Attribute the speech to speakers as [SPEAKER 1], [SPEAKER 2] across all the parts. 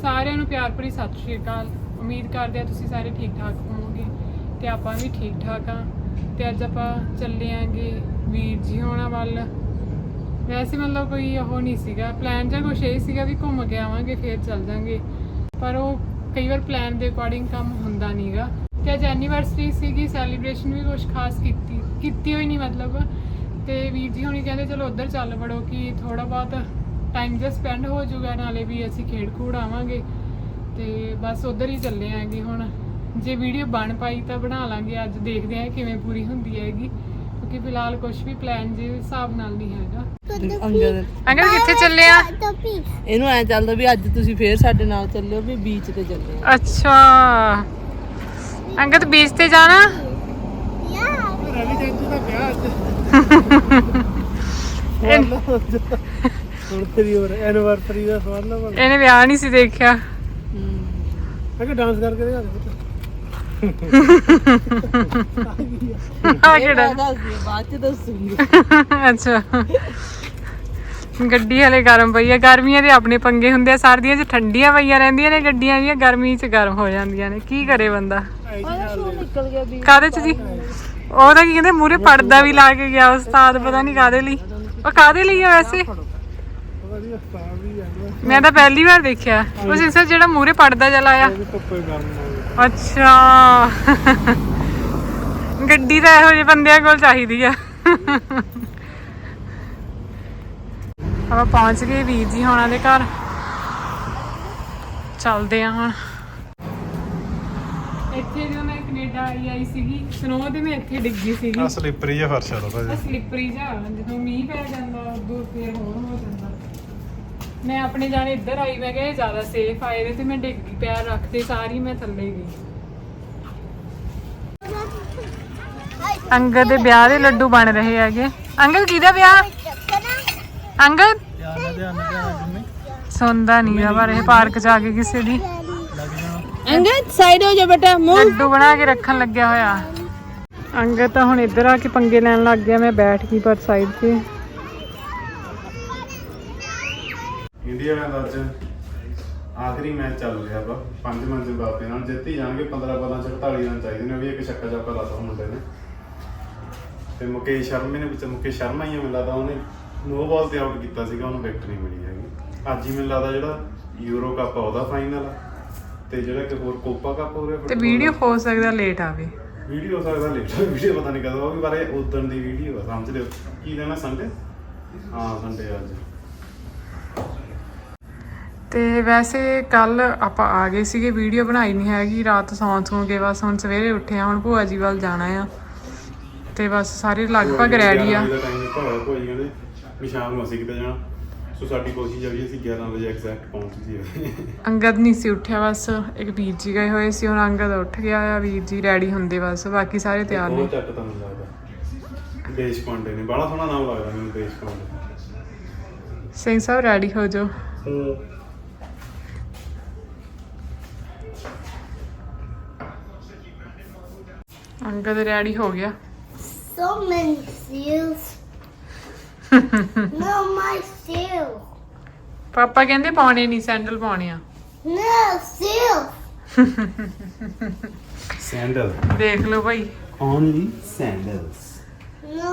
[SPEAKER 1] ਸਾਰਿਆਂ ਨੂੰ ਪਿਆਰ ਭਰੀ ਸਤਿ ਸ਼੍ਰੀ ਅਕਾਲ। ਉਮੀਦ ਕਰਦੇ ਆ ਤੁਸੀਂ ਸਾਰੇ ਠੀਕ ਠਾਕ ਹੋਵੋਗੇ ਤੇ ਆਪਾਂ ਵੀ ਠੀਕ ਠਾਕ ਆ। ਤੇ ਅੱਜ ਆਪਾਂ ਚੱਲੇ ਆਂਗੇ ਵੀਰ ਜੀ ਹੋਣਾ ਵੱਲ। ਵੈਸੇ ਮਤਲਬ ਕੋਈ ਉਹ ਨਹੀਂ ਸੀਗਾ ਪਲਾਨ ਜਾਂ ਕੁਛ ਇਹ ਸੀਗਾ ਵੀ ਘੁੰਮ ਕੇ ਆਵਾਂਗੇ ਫਿਰ ਚੱਲ ਜਾਵਾਂਗੇ, ਪਰ ਉਹ ਕਈ ਵਾਰ ਪਲਾਨ ਦੇ ਅਕੋਰਡਿੰਗ ਕੰਮ ਹੁੰਦਾ ਨਹੀਂਗਾ। ਤੇ ਅੱਜ ਐਨੀਵਰਸਰੀ ਸੀਗੀ, ਸੈਲੀਬ੍ਰੇਸ਼ਨ ਵੀ ਕੁਛ ਖਾਸ ਕੀਤੀ ਹੋਈ ਨਹੀਂ ਮਤਲਬ। ਤੇ ਵੀਰ ਜੀ ਹੁਣੀ ਕਹਿੰਦੇ ਚਲੋ ਉੱਧਰ ਚੱਲ ਵੜੋ ਕਿ ਥੋੜਾ ਬਹੁਤ ਟਾਈਮ ਜਿਹਾ ਸਪੈਂਡ ਹੋ ਜਾਊਗਾ, ਨਾਲੇ ਵੀ ਅਸੀਂ ਖੇਡ ਖੂਡ ਆਵਾਂਗੇ। ਤੇ ਬਸ ਉੱਧਰ ਹੀ ਚੱਲੇ ਆਂਗੇ। ਹੁਣ ਜੇ ਵੀਡੀਓ ਬਣ ਪਾਈ ਤਾਂ ਬਣਾ ਲਾਂਗੇ, ਅੱਜ ਦੇਖਦੇ ਹਾਂ ਕਿਵੇਂ ਪੂਰੀ ਹੁੰਦੀ ਹੈਗੀ, ਕਿਉਂਕਿ ਫਿਲਹਾਲ ਕੁਝ ਵੀ ਪਲਾਨ ਜੇ ਹਿਸਾਬ ਨਾਲ ਨਹੀਂ ਹੈਗਾ। ਅੰਕਲ ਕਿੱਥੇ ਚੱਲੇ ਆ?
[SPEAKER 2] ਇਹਨੂੰ ਐ ਚੱਲਦਾ ਵੀ ਅੱਜ ਤੁਸੀਂ ਫੇਰ ਸਾਡੇ ਨਾਲ ਚੱਲਿਓ ਵੀ ਬੀਚ ਤੇ ਚੱਲੇ ਆ।
[SPEAKER 1] ਅੱਛਾ ਅੰਕਲ ਬੀਚ ਤੇ ਜਾਣਾ?
[SPEAKER 3] ਰਵੀ ਜੰਜੂ ਦਾ ਵਿਆਹ ਅੱਜ ਹੁਣ ਤੇਰੀ ਹੋਰ ਐਨੀਵਰਸਰੀ ਦਾ ਸਵਾਲ ਨਾ
[SPEAKER 1] ਇਹਨੇ ਵਿਆਹ ਨਹੀਂ ਸੀ ਦੇਖਿਆ।
[SPEAKER 3] ਮੈਂ ਕਿ ਡਾਂਸ ਕਰਕੇ ਦਿਖਾ ਦੇ
[SPEAKER 1] ਆ ਕਿਹੜਾ
[SPEAKER 2] ਬਾਅਦ ਚ ਦੱਸੂਗੀ।
[SPEAKER 1] ਅੱਛਾ ਗੱਡੀ ਹਲੇ ਗਰਮ ਪਈ ਆ। ਗਰਮੀਆਂ ਦੇ ਆਪਣੇ ਪੰਗੇ ਹੁੰਦੇ ਆ, ਸਰਦੀਆਂ 'ਚ ਠੰਡੀਆਂ ਪਈਆਂ ਰਹਿੰਦੀਆਂ ਨੇ ਗੱਡੀਆਂ ਦੀਆਂ, ਗਰਮੀ 'ਚ ਗਰਮ ਹੋ ਜਾਂਦੀਆਂ ਨੇ। ਕੀ ਕਰੇ ਬੰਦਾ?
[SPEAKER 2] ਨਿਕਲ ਗਿਆ ਵੀ
[SPEAKER 1] ਕਾਹਦੇ 'ਚ ਜੀ? ਉਹ ਤਾਂ ਕੀ ਕਹਿੰਦੇ ਮੂਹਰੇ ਪਰਦਾ ਵੀ ਲਾ ਕੇ ਗਿਆ ਉਸਤਾਦ, ਪਤਾ ਨਹੀਂ ਕਾਹਦੇ ਲਈ। ਉਹ ਕਾਹਦੇ ਲਈ ਆ ਵੈਸੇ? ਮੈਂ ਤਾਂ ਪਹਿਲੀ ਵਾਰ ਦੇਖਿਆ ਉਹ ਸਿੰਸਰ ਜਿਹੜਾ ਮੂਹਰੇ ਪਰਦਾ ਜਿਹਾ ਲਾਇਆ। ਅੱਛਾ ਗੱਡੀ ਤਾਂ ਇਹੋ ਜਿਹੇ ਬੰਦਿਆਂ ਕੋਲ ਚਾਹੀਦੀ ਆ। ਆਪਾਂ ਪਹੁੰਚ ਗਏ ਵੀਰ ਜੀ ਹੋਣਾ ਦੇ ਘਰ, ਚੱਲਦੇ ਆ ਹੁਣ। ਇੱਥੇ ਜਦੋਂ ਮੈਂ ਕੈਨੇਡਾ ਆਈ ਸੀਗੀ ਸਨੋ ਤੇ ਮੈਂ ਇੱਥੇ ਡਿੱਗੀ ਸੀਗੀ।
[SPEAKER 3] ਆ ਸਲਿੱਪਰੀ ਜਿਹਾ ਫਰਸ਼ ਆ ਭਾਜੀ,
[SPEAKER 1] ਸਲਿੱਪਰੀ ਜਿਹਾ ਜਦੋਂ ਮੀਂਹ ਪੈ ਜਾਂਦਾ ਉਦੋਂ ਫੇਰ ਹੋਰ ਹੋ ਜਾਂਦਾ। ਮੈਂ ਆਪਣੇ ਜਾਣੇ ਇੱਧਰ ਆਈ, ਮੈਂ ਕਿਹਾ ਇਹ ਜ਼ਿਆਦਾ ਸੇਫ ਆਏ ਦੇ, ਤੇ ਮੈਂ ਡਿੱਗ ਗਈ, ਪੈਰ ਰੱਖਦੇ ਸਾਰੀ ਮੈਂ ਥੱਲੇ ਗਈ। ਅੰਗਦ ਦੇ ਵਿਆਹ ਦੇ ਲੱਡੂ ਬਣ ਰਹੇ ਹੈਗੇ। ਅੰਕਲ ਕਿਹਦਾ ਵਿਆਹ? ਅੰਗਦ ਸੁਣਦਾ ਨਹੀਂ ਆ ਪਰ ਇਹ ਪਾਰਕ ਚ ਆ ਕੇ ਕਿਸੇ ਦੀ
[SPEAKER 2] ਅੰਗਦ ਸਾਈਡ ਹੋ ਜਾ ਬੇਟਾ, ਮੂੰਹ
[SPEAKER 1] ਲੱਡੂ ਬਣਾ ਕੇ ਰੱਖਣ ਲੱਗਿਆ ਹੋਇਆ। ਅੰਗਦ ਤਾਂ ਹੁਣ ਇੱਧਰ ਆ ਕੇ ਪੰਗੇ ਲੈਣ ਲੱਗ ਗਿਆ। ਮੈਂ ਬੈਠ ਗਈ ਪਰ ਸਾਈਡ ਤੇ।
[SPEAKER 3] ਇੰਡੀਆ ਦਾ ਅੱਜ ਆਖਰੀ ਮੈਚ ਚੱਲ ਰਿਹਾ ਵਾ। 5 ਮੈਚ ਜ਼ਿੰਬਾਬਵੇ ਨਾਲ ਜਿੱਤ ਹੀ ਜਾਣਗੇ। 15 ਬਾਲਾਂ ਚ 48 ਰਨ ਚਾਹੀਦੇ ਨੇ। ਵੀ ਇੱਕ ਛੱਕਾ ਚੌਕਾ ਲਾਤਾ ਮੁੰਡੇ ਨੇ। ਤੇ ਮੁਕੇਸ਼ ਸ਼ਰਮੇ ਨੇ ਮੁਕੇਸ਼ ਸ਼ਰਮਾ ਹੀ ਮੈਨੂੰ ਲੱਗਦਾ ਉਹਨੇ ਨੋ ਬਾਲ ਤੇ ਆਊਟ ਕੀਤਾ ਸੀਗਾ, ਉਹਨੂੰ ਵਿਕਟ ਨਹੀਂ ਮਿਲੀ ਹੈਗੀ। ਅੱਜ ਹੀ ਮੈਨੂੰ ਲੱਗਦਾ ਜਿਹੜਾ ਯੂਰੋ ਕੱਪ ਆ ਉਹਦਾ ਫਾਈਨਲ, ਤੇ ਜਿਹੜਾ ਕਿ ਹੋਰ ਕੋਪਾ ਕੱਪ ਹੋ ਰਿਹਾ।
[SPEAKER 1] ਤੇ ਵੀਡੀਓ ਹੋ ਸਕਦਾ ਲੇਟ ਆਵੇ।
[SPEAKER 3] ਵੀਡੀਓ ਹੋ ਸਕਦਾ ਲੇਟ, ਵੀਡੀਓ ਪਤਾ ਨਹੀਂ ਕਦੋਂ ਆਊਗੀ, ਪਰ ਇਹ ਉਦਣ ਦੀ ਵੀਡੀਓ ਆ। ਸਮਝ ਲਿਓ ਕੀ ਦੇਣਾ, ਸੰਡੇ? ਹਾਂ ਸੰਡੇ ਅੱਜ। ਤੇ ਵੈਸੇ ਕੱਲ ਆਪਾਂ ਆ ਗਏ ਸੀਗੇ, ਵੀਡੀਓ ਬਣਾਈ ਨਹੀਂ ਹੈਗੀ। ਰਾਤ ਸੌਂ ਕੇ ਬਸ ਹੁਣ ਸਵੇਰੇ ਉੱਠੇ ਆ। ਹੁਣ ਭੂਆ ਜੀ ਵੱਲ ਜਾਣਾ ਆ ਤੇ ਬਸ ਸਾਰੇ ਲਗਭਗ ਰੈਡੀ ਆ। ਭੂਆ ਜੀ ਕਹਿੰਦੇ ਵੀ ਸ਼ਾਮ ਨੂੰ ਅਸੀਂ ਕਿਤੇ ਜਾਣਾ, ਸੋ ਸਾਡੀ ਕੋਸ਼ਿਸ਼ ਆ ਵੀ ਅਸੀਂ 11 ਵਜੇ ਐਗਜ਼ੈਕਟ ਪਹੁੰਚ ਜਾਈਏ। ਅੰਗਦ ਨਹੀਂ ਸੀ ਉੱਠਿਆ, ਬਸ ਇੱਕ ਵੀਰ ਜੀ ਗਏ ਹੋਏ ਸੀ। ਹੁਣ ਅੰਗਦ ਉੱਠ ਗਿਆ ਆ, ਵੀਰ ਜੀ ਰੈਡੀ ਹੁੰਦੇ ਬਸ, ਬਾਕੀ ਸਾਰੇ ਤਿਆਰ ਨੇ। ਚੱਕ ਤਾਂ ਮੈਨੂੰ ਲੱਗਦਾ ਦੇਸ਼ ਪਾਂਡੇ ਨੇ, ਬੜਾ ਸੋਹਣਾ ਨਾਮ ਲੱਗਦਾ ਮੈਨੂੰ ਦੇਸ਼ ਪਾਂਡੇ। ਸਿੰਘ ਸਾਹਿਬ ਰੈਡੀ ਹੋ ਜਾਓ। ਅੰਗਦ ਰੈਡੀ ਹੋ ਗਿਆ।
[SPEAKER 4] So many seals. No, my seals.
[SPEAKER 1] ਪਾਪਾ ਕਹਿੰਦੇ ਪਾਉਣੇ ਨਹੀਂ, ਸੈਂਡਲ ਪਾਉਣੇ ਆ।
[SPEAKER 4] No, seals.
[SPEAKER 3] ਸੈਂਡਲ
[SPEAKER 1] ਦੇਖ ਲਓ ਭਾਈ।
[SPEAKER 3] Only sandals.
[SPEAKER 4] No.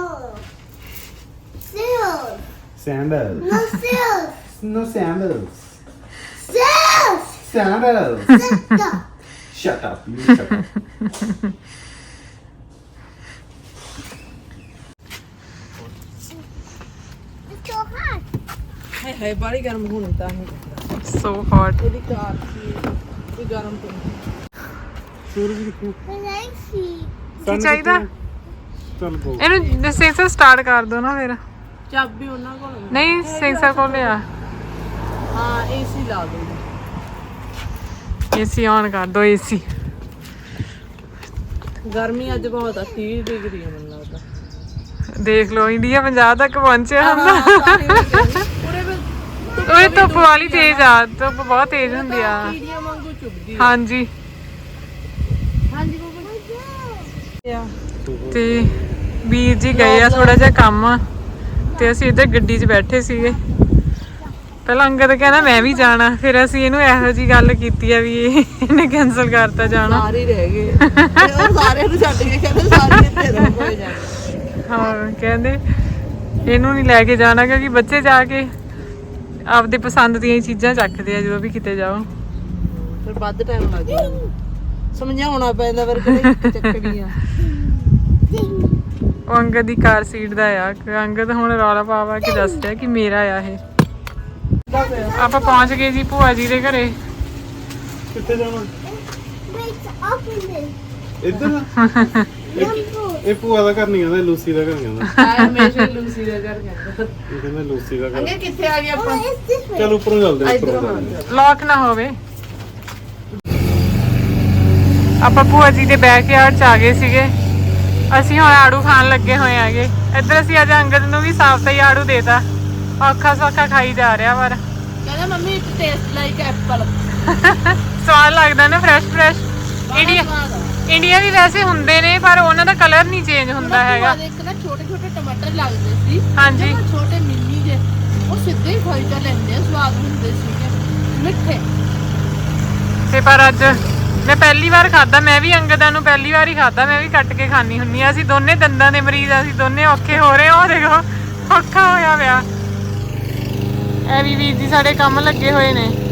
[SPEAKER 4] Seals.
[SPEAKER 3] Sandals.
[SPEAKER 4] No seals.
[SPEAKER 3] No sandals.
[SPEAKER 4] Seals.
[SPEAKER 3] Sandals.
[SPEAKER 4] Sit up.
[SPEAKER 3] Shut up. You shut up.
[SPEAKER 4] It's so hot.
[SPEAKER 2] ਹਾਏ ਹਾਏ ਬਾੜੀ ਗਰਮ ਹੋਣੀ ਤਾਂ ਇਹ
[SPEAKER 1] ਸੋ ਹੌਟ।
[SPEAKER 2] ਇਹਦੀ ਕਾਰ ਸੀ ਇਹ ਗਰਮ ਤੋਂ
[SPEAKER 3] ਸੂਰਜ ਦੇਖੋ
[SPEAKER 4] But I see.
[SPEAKER 1] ਕੀ ਚਾਹੀਦਾ
[SPEAKER 3] ਚੱਲ ਗੋ।
[SPEAKER 1] ਇਹਨੂੰ ਸੈਂਸਰ ਸਟਾਰਟ ਕਰ ਦੋ ਨਾ ਫਿਰ।
[SPEAKER 2] ਚਾਬੀ ਉਹਨਾਂ ਕੋਲ
[SPEAKER 1] ਨਹੀਂ ਸੈਂਸਰ ਕੋਲ ਲਿਆ।
[SPEAKER 2] ਹਾਂ ਏਸੀ ਲਾ ਦੋ।
[SPEAKER 1] ਏਸੀ ਔਨ ਕਰ ਦੋ। ਏਸੀ
[SPEAKER 2] ਗਰਮੀ ਅੱਜ ਬਹੁਤ ਆ, 30 ਡਿਗਰੀ ਆ ਮੈਨੂੰ ਲੱਗਦਾ।
[SPEAKER 1] ਦੇਖ ਲਓ ਇੰਡੀਆ 50 ਤੱਕ ਪਹੁੰਚਿਆ ਹੁੰਦਾ।
[SPEAKER 2] ਪੂਰੇ
[SPEAKER 1] ਉਹ ਧੁੱਪ ਵਾਲੀ ਤੇਜ਼ ਆ, ਧੁੱਪ ਬਹੁਤ ਤੇਜ਼ ਹੁੰਦੀ ਆ।
[SPEAKER 2] ਕੀੜੀਆਂ ਵਾਂਗੂ ਚੁੱਭਦੀ
[SPEAKER 1] ਹਾਂਜੀ
[SPEAKER 2] ਹਾਂਜੀ
[SPEAKER 1] ਤੇ ਵੀਰ ਜੀ ਗਏ ਆ ਥੋੜਾ ਜਿਹਾ ਕੰਮ, ਤੇ ਅਸੀਂ ਇੱਧਰ ਗੱਡੀ 'ਚ ਬੈਠੇ ਸੀਗੇ।
[SPEAKER 3] ਪਹਿਲਾਂ ਅੰਗਦ ਕਹਿੰਦਾ ਮੈਂ ਵੀ ਜਾਣਾ, ਫਿਰ ਅਸੀਂ ਇਹਨੂੰ ਇਹੋ ਜੀ ਗੱਲ ਕੀਤੀ ਆ ਵੀ ਇਹਨੇ ਕੈਨਸਲ ਕਰਤਾ ਜਾਣਾ।
[SPEAKER 2] ਸਾਰੇ ਹੀ ਰਹਿ ਗਏ ਤੇ ਉਹ ਸਾਰਿਆਂ ਨੂੰ ਛੱਡ ਕੇ ਕਹਿੰਦੇ ਸਾਰੇ ਇੱਥੇ ਰਹੋ ਹੋਏ ਜਾਣੇ।
[SPEAKER 3] ਹਾਂ ਕਹਿੰਦੇ ਇਹਨੂੰ ਨਹੀਂ ਲੈ ਕੇ ਜਾਣਾ ਕਿਉਂਕਿ ਬੱਚੇ ਜਾ ਕੇ ਆਪਦੇ ਪਸੰਦ ਦੀਆਂ ਹੀ ਚੀਜ਼ਾਂ ਚੱਕਦੇ ਆ ਜਦੋਂ ਵੀ ਕਿਤੇ ਜਾਓ।
[SPEAKER 2] ਫਿਰ ਵੱਧ ਟਾਈਮ ਲੱਗ ਜਾਂਦਾ, ਸਮਝਾਉਣਾ ਪੈਂਦਾ ਫਿਰ ਕਿਹੜੀ ਚੱਕਣੀ ਆ।
[SPEAKER 3] ਉਹ ਅੰਗਦ ਦੀ ਕਾਰ ਸੀਟ ਦਾ ਆ, ਅੰਗਦ ਹੁਣ ਰੌਲਾ ਪਾ ਕੇ ਦੱਸ ਰਿਹਾ ਕਿ ਮੇਰਾ ਆ ਇਹ। ਆਪਾਂ ਪਹੁੰਚ ਗਏ ਜੀ ਭੂਆ ਜੀ ਦੇ ਘਰੇ।
[SPEAKER 5] ਕਿੱਥੇ ਜਾਣਾ?
[SPEAKER 4] Wait, open this.
[SPEAKER 5] ਇੱਧਰ ਇਹ ਭੂਆ ਦਾ ਘਰ ਨਹੀਂ ਕਹਿੰਦਾ, ਲੂਸੀ ਦਾ ਘਰ ਕਹਿੰਦਾ।
[SPEAKER 2] ਆ ਹਮੇਸ਼ਾ ਲੂਸੀ ਦਾ ਘਰ ਕਹਿੰਦਾ।
[SPEAKER 5] ਇਹ ਕਹਿੰਦਾ ਲੂਸੀ ਦਾ ਘਰ।
[SPEAKER 2] ਅੰਗੇ ਕਿੱਥੇ ਆ ਗਏ ਆਪਾਂ?
[SPEAKER 4] Oh, it's this way.
[SPEAKER 5] ਚੱਲ ਉੱਪਰੋਂ ਚੱਲਦੇ ਹਾਂ,
[SPEAKER 2] ਇਧਰੋਂ
[SPEAKER 5] ਉੱਪਰੋਂ ਚੱਲਦੇ ਹਾਂ।
[SPEAKER 3] ਲੌਕ ਨਾ ਹੋਵੇ। ਆਪਾਂ ਭੂਆ ਜੀ ਦੇ ਬੈਕਯਾਰਡ ਚ ਆ ਗਏ ਸੀਗੇ। ਅਸੀਂ ਹੁਣ ਆੜੂ ਖਾਣ ਲੱਗੇ ਹੋਏ ਆਗੇ। ਇੱਧਰ ਅਸੀਂ ਅੱਜ ਅੰਗਦ ਨੂੰ ਵੀ ਸਾਫ ਹੀ ਆੜੂ ਦੇਤਾ, ਔਖਾ ਸੌਖਾ ਖਾਈ ਜਾ ਰਿਹਾ ਪਰ
[SPEAKER 2] ਕਹਿੰਦਾ mummy it taste like apple.
[SPEAKER 3] ਸਵਾਦ ਲੱਗਦਾ ਨਾ, ਫਰੈਸ਼ ਇੰਡੀਆ ਵੀ ਵੈਸੇ ਹੁੰਦੇ ਨੇ ਪਰ ਉਹਨਾਂ ਦਾ ਕਲਰ ਨਹੀਂ ਚੇਂਜ ਹੁੰਦਾ ਹੈਗਾ।
[SPEAKER 2] ਇੱਕ ਨਾ ਛੋਟੇ ਛੋਟੇ ਟਮਾਟਰ ਲੱਗਦੇ ਸੀ,
[SPEAKER 3] ਹਾਂਜੀ
[SPEAKER 2] ਜਮਾਂ ਛੋਟੇ ਮਿੰਨੀ ਜੇ, ਉਹ ਸਿੱਧੇ ਹੀ ਖਾਈ ਤਾਂ ਲੈਂਦੇ ਆ, ਸਵਾਦ ਹੁੰਦੇ ਸੀਗੇ ਮਿੱਠੇ।
[SPEAKER 3] ਤੇ ਪਰ ਅੱਜ ਮੈਂ ਪਹਿਲੀ ਵਾਰ ਖਾਦਾ, ਮੈਂ ਵੀ ਅੰਗਦਾਂ ਨੂੰ ਪਹਿਲੀ ਵਾਰ ਹੀ ਖਾਦਾ, ਮੈਂ ਵੀ ਕੱਟ ਕੇ ਖਾਣੀ ਹੁੰਨੀ ਆ। ਅਸੀਂ ਦੋਨੇ ਦੰਦਾਂ ਦੇ ਮਰੀਜ਼ ਆ, ਅਸੀਂ ਦੋਨੇ ਔਖੇ ਹੋ ਰਹੇ ਹਾਂ। ਉਹ ਦੇਖੋ ਔਖਾ ਹੋਇਆ ਪਿਆ। ਐ ਵੀ ਵੀਰ ਜੀ ਸਾਡੇ ਕੰਮ ਲੱਗੇ ਹੋਏ ਨੇ।